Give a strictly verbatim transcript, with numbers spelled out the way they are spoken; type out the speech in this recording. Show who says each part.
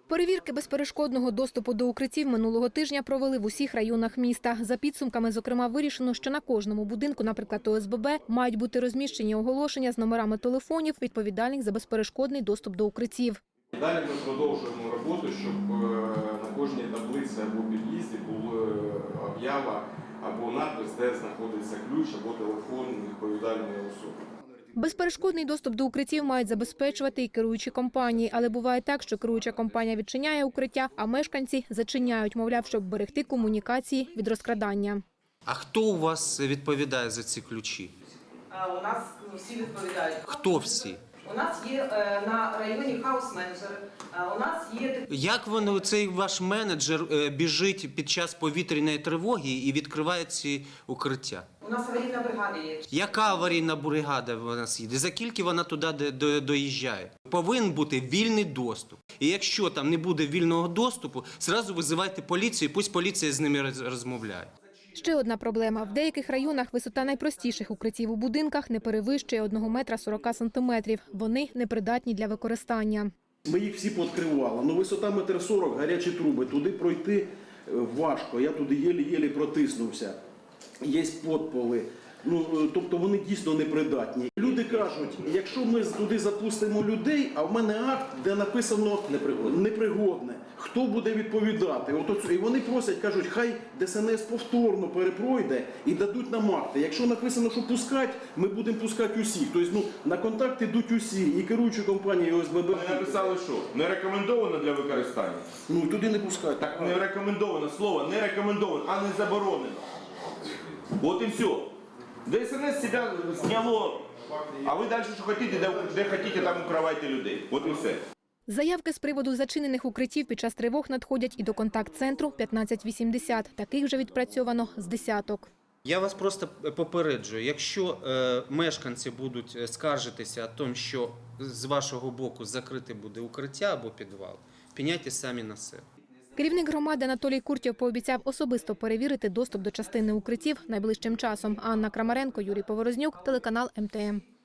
Speaker 1: Перевірки безперешкодного доступу до укриттів минулого тижня провели в усіх районах міста. За підсумками, зокрема, вирішено, що на кожному будинку, наприклад, О С Б Б, мають бути розміщені оголошення з номерами телефонів, відповідальних за безперешкодний доступ до укриттів.
Speaker 2: Далі ми продовжуємо роботу, щоб на кожній таблиці або під'їзді була об'ява або надпис, де знаходиться ключ або телефон відповідальної особи.
Speaker 1: Безперешкодний доступ до укриттів мають забезпечувати і керуючі компанії. Але буває так, що керуюча компанія відчиняє укриття, а мешканці зачиняють, мовляв, щоб берегти комунікації від розкрадання.
Speaker 3: А хто у вас відповідає за ці ключі?
Speaker 4: У нас всі відповідають.
Speaker 3: Хто всі?
Speaker 4: У нас є на районі хаус-менеджери, у нас є...
Speaker 3: Як воно, цей ваш менеджер біжить під час повітряної тривоги і відкриває ці укриття?
Speaker 4: У нас аварійна бригада є.
Speaker 3: Яка аварійна бригада в нас їде? За скільки вона туди доїжджає? Повинен бути вільний доступ. І якщо там не буде вільного доступу, зразу визивайте поліцію, пусть поліція з ними розмовляє.
Speaker 1: Ще одна проблема. В деяких районах висота найпростіших укриттів у будинках не перевищує одного метра сорока сантиметрів. Вони непридатні для використання.
Speaker 5: Ми їх всі пооткривали. Ну, висота метр сорок, гарячі труби. Туди пройти важко. Я туди єлі-єлі протиснувся. Є підполи. Ну, тобто вони дійсно непридатні. Люди кажуть, якщо ми туди запустимо людей, а в мене акт, де написано непригодне, непригодне. Хто буде відповідати? От, і вони просять, кажуть, хай Де С Ен Ес повторно перепройде і дадуть нам акти. Якщо написано, що пускати, ми будемо пускати усіх. Тобто, ну, на контакт йдуть усі, і керуючі компанії О С Б Б.
Speaker 2: Вони написали, що не рекомендовано для використання.
Speaker 5: Ну, туди не пускати.
Speaker 2: Так не рекомендовано, слово не рекомендовано, а не заборонено. От і все. Де С Ен Ес себе зняло, а ви далі що хочете, де, де хочете, там укривайте людей. От і все.
Speaker 1: Заявки з приводу зачинених укриттів під час тривог надходять і до контакт-центру п'ятнадцять вісімдесят. Таких вже відпрацьовано з десяток.
Speaker 3: Я вас просто попереджую, якщо е, мешканці будуть скаржитися о тому, що з вашого боку закрите буде укриття або підвал, пеняйте самі на себе.
Speaker 1: Керівник громади Анатолій Куртєв пообіцяв особисто перевірити доступ до частини укриттів найближчим часом. Анна Крамаренко, Юрій Поворознюк, телеканал Ем Те Ем.